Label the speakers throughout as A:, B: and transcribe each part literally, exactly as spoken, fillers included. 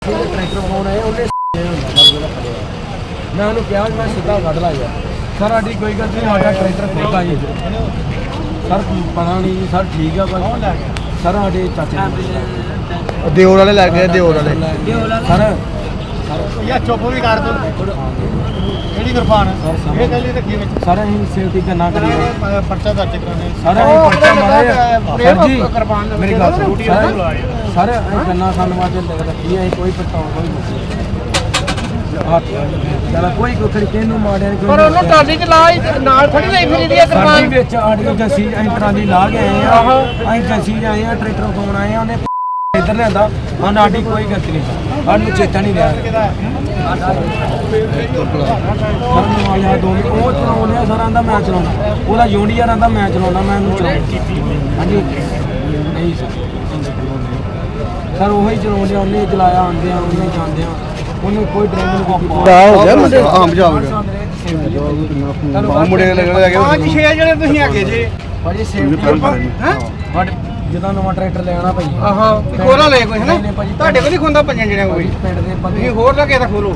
A: tractor phone आया उन्हें मैं उन्होंने कहा मैं सीधा कढ़ ला यार सर साड़ी कोई गल नहीं साडा ट्रैक्टर खुद आई सर पता नहीं सर ठीक है सर साडे चाचे
B: ਦਿਓਰ ਵਾਲੇ ਲੱਗ ਗਏ ਦਿਓਰ ਵਾਲੇ
A: सर
C: ਯਾ ਚੁੱਪ ਵੀ ਕਰ ਦੋ ਕਿਹੜੀ ਕਿਰਪਾਨ ਇਹ ਗੱਲ ਹੀ ਰੱਖੀ ਵਿੱਚ
A: सर अं सेफ्टी करना करिए
C: ਪਰਚਾ ਦਰਜ ਕਰਾਣੇ
A: सर अं पर्चा मारे सर जी
C: ਕਿਰਪਾਨ
A: मेरी गल सुनो सर सर अं गन्ना खाने वास्ते रखी है कोई पछताव कोई चल कोई कुछ किहनू माड़िया
C: ਪਰ ਉਹਨੂੰ ਟਰਾਲੀ ਚ ਲਾ ਨਾਲ ਥੋੜੀ ਲਈ ਫਿਰੀ ਦੀ
A: साडी विच आड़ी जसी अं ट्राली ला के आए हैं अं जसी आए हैं ट्रैक्टर फोन आए हैं उन्हें इधर लिया हाँ साडी कोई गलती नहीं सानू चेता नहीं रहा दो वो चलाने सर आंदा मैं चलाना वो यूनियर आंदा मैं चलाना मैं चला हाँ जी नहीं सर सर वही चलाने उन्हें चलाया आंदे उन्हें जाते उन्हें कोई ड्राइवर
B: ਹੋ ਗਿਆ ਮੁੰਡੇ ਆਮ ਜਾ ਹੋ ਗਿਆ ਮੁੰਡੇ ਲੱਗਣੇ ਹੈਗੇ
C: ਪੰਜ ਛੇ ਜਣੇ ਤੁਸੀਂ ਹੈਗੇ ਜੀ
A: ਭਾਜੀ ਸੇਫਟੀ
C: ਹੈ
A: ਜਦੋਂ ਨਵਾਂ ਟਰੈਕਟਰ ਲੈਣਾ ਭਾਈ
C: ਆਹਾਂ ਖੋਲਾ ਲੈ ਕੋਈ ਹੈ ਨਾ ਤੁਹਾਡੇ ਕੋਲ ਨਹੀਂ ਖੁੰਦਾ ਪੰਜਾਂ ਜਣਿਆਂ ਕੋਈ
A: ਪਿੰਡ ਦੇ ਬੰਦੇ
C: ਤੁਸੀਂ ਹੋਰ ਲੱਗੇ ਤਾਂ ਖੋਲੋ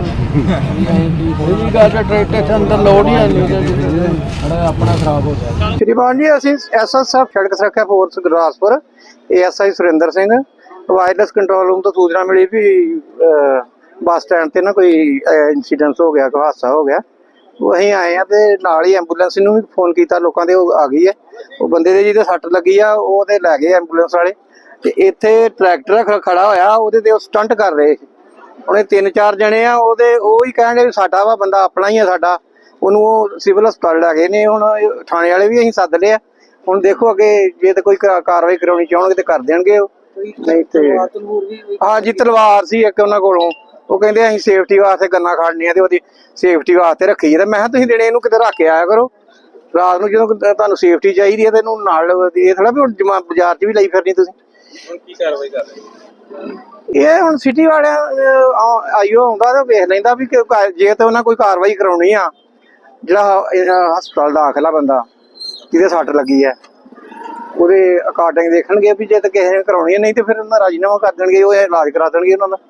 B: ਇਹ ਗੱਲ ਟਰੈਕਟਰ ਦੇ ਅੰਦਰ ਲੋਡ ਹੀ ਆਣੀ
A: ਸਾਡਾ ਆਪਣਾ ਖਰਾਬ ਹੋ ਗਿਆ
C: ਸ਼੍ਰੀਮਾਨ ਜੀ ਅਸੀਂ ਐਸਐਸਐਫ ਸੜਕ ਸੁਰੱਖਿਆ force Gurdaspur ASI Surinder Singh wireless control room ਤੋਂ ਸੂਚਨਾ ਮਿਲੀ ਵੀ ਬੱਸ ਸਟੈਂਡ ਤੇ ਨਾ ਕੋਈ ਇਨਸੀਡੈਂਟ ਹੋ ਗਿਆ ਕੋਈ ਹਾਦਸਾ ਹੋ ਗਿਆ ਉਹ ਅਸੀਂ ਆਏ ਆ ਤੇ ਨਾਲ ਹੀ ਐਂਬੂਲੈਂਸ ਨੂੰ ਵੀ ਫੋਨ ਕੀਤਾ ਲੋਕਾਂ ਦੇ ਉਹ ਆ ਗਈ ਹੈ ਉਹ ਬੰਦੇ ਦੇ ਜਿਹਦੇ ਸੱਟ ਲੱਗੀ ਆ ਉਹ ਤੇ ਲੈ ਗਏ ਐਂਬੂਲੈਂਸ ਵਾਲੇ ਤੇ ਇੱਥੇ ਟਰੈਕਟਰ ਖੜਾ ਹੋਇਆ ਉਹਦੇ ਤੇ ਉਹ ਸਟੰਟ ਕਰ ਰਹੇ ਉਹਨੇ ਤਿੰਨ ਚਾਰ ਜਣੇ ਆ ਉਹਦੇ ਉਹ ਹੀ ਕਹਿੰਦੇ ਵੀ ਸਾਡਾ ਵਾ ਬੰਦਾ ਆਪਣਾ ਹੀ ਆ ਸਾਡਾ ਉਹਨੂੰ ਉਹ ਸਿਵਲ ਹਸਪਤਾਲ ਲੈ ਗਏ ਨੇ ਹੁਣ ਥਾਣੇ ਵਾਲੇ ਵੀ ਅਸੀਂ ਸੱਦ ਲਿਆ ਹੁਣ ਦੇਖੋ ਅੱਗੇ ਜੇ ਤੇ ਕੋਈ ਕਾਰਵਾਈ ਕਰਾਉਣੀ ਚਾਹਣਗੇ ਤੇ ਕਰ ਦੇਣਗੇ ਉਹ ਨਹੀਂ ਤੇ ਹਾਂ ਜੀ ਤਲਵਾਰ ਸੀ ਇੱਕ ਉਹਨਾਂ ਕੋਲੋਂ ਉਹ ਕਹਿੰਦੇ ਅਸੀਂ ਸੇਫਟੀ ਵਾਸਤੇ ਗੰਨਾ ਖੜਨੀ ਆ ਤੇ ਉਹਦੀ ਸੇਫਟੀ ਵਾਸਤੇ ਰੱਖੀ ਹੈ ਤੇ ਮੈਂ ਕਿਹਾ ਤੁਸੀਂ ਦਿਨੇ ਇਹਨੂੰ ਕਿਤੇ ਰੱਖ ਕੇ ਆਇਆ ਕਰੋ ਰਾਤ ਨੂੰ ਜਦੋਂ ਤੁਹਾਨੂੰ ਸੇਫਟੀ ਚਾਹੀਦੀ ਹੈ ਤੇ ਇਹਨੂੰ ਨਾਲ ਇਹ ਥੋੜਾ ਵੀ ਹੁਣ ਜਮਾ ਬਾਜ਼ਾਰ 'ਚ ਵੀ ਲਈ ਫਿਰਨੀ ਤੁਸੀਂ ਹੁਣ ਕੀ ਕਾਰਵਾਈ ਕਰ ਰਹੇ ਇਹ ਹੁਣ ਸਿਟੀ ਵਾਲਿਆਂ ਆਈਓ ਆਉਂਦਾ ਤੇ ਵੇਖ ਲੈਂਦਾ ਵੀ ਜੇ ਤੇ ਉਹਨਾਂ ਕੋਈ ਕਾਰਵਾਈ ਕਰਾਉਣੀ ਆ ਜਿਹੜਾ ਹਸਪਤਾਲ ਦਾਖਲਾ ਬੰਦਾ ਜਿਹਦੇ ਸੱਟ ਲੱਗੀ ਹੈ ਉਹਦੇ ਅਕਾਰਡਿੰਗ ਦੇਖਣਗੇ ਵੀ ਜੇ ਤੇ ਕਿਸੇ ਨੇ ਕਰਾਉਣੀ ਹੈ ਨਹੀਂ ਤੇ ਫਿਰ ਉਹਨਾਂ ਰਾਜੀਨਾਮਾ ਕਰ ਦੇਣਗੇ ਉਹ ਇਲਾਜ ਕਰਾ ਦੇਣਗੇ ਉਹਨਾਂ ਦਾ